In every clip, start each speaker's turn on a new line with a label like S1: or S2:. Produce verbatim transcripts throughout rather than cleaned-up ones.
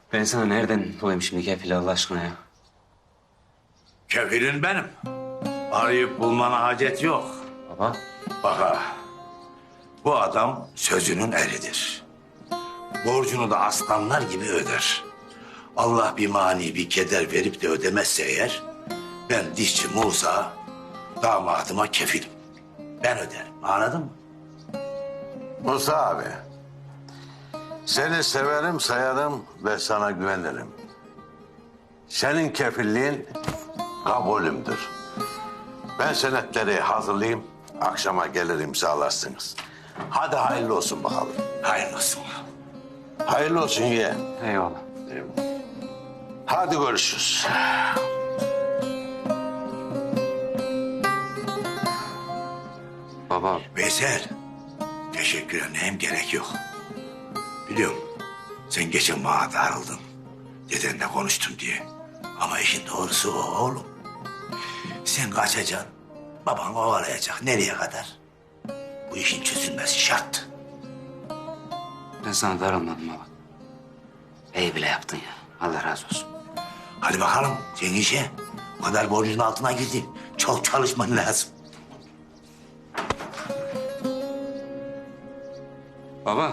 S1: Ben sana nereden bulayım şimdi kefili Allah aşkına ya?
S2: Kefilin benim. Arayıp bulmana hacet yok.
S1: Baba.
S2: Bak, bu adam sözünün eridir. Borcunu da aslanlar gibi öder. Allah bir mani bir keder verip de ödemezse eğer... ...ben dişçi Musa damadıma kefilim. Ben öderim, anladın mı?
S3: Musa abi, seni severim, sayarım ve sana güvenirim. Senin kefilliğin kabulümdür. Ben senetleri hazırlayayım, akşama gelir imzalarsınız. Hadi hayırlı olsun bakalım.
S2: Hayırlı olsun.
S3: Hayırlı olsun ye.
S1: Eyvallah.
S3: Hadi görüşürüz.
S1: Baba.
S2: Veysel, teşekkür ederim, gerek yok. Biliyorum, sen geçen bana darıldın. Dedenle konuştum diye. Ama işin doğrusu o oğlum. Sen kaçacaksın, baban kovalayacak. Nereye kadar? Bu işin çözülmesi şart.
S1: Ben sana darılmadım baba. İyi bile yaptın ya. Allah razı olsun.
S2: Hadi bakalım, sen işe. O kadar borcun altına girdin. Çok çalışman lazım.
S1: Baba.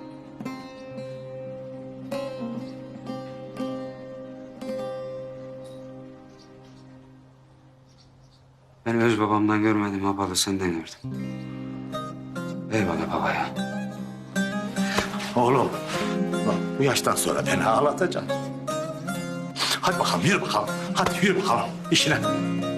S1: Ben öz babamdan görmedim ha baba, senden gördüm. Eyvallah baba ya.
S2: Oğlum, bak bu yaştan sonra beni ağlatacaksın. Hadi bakalım, yürü bakalım. Hadi yürü bakalım işine.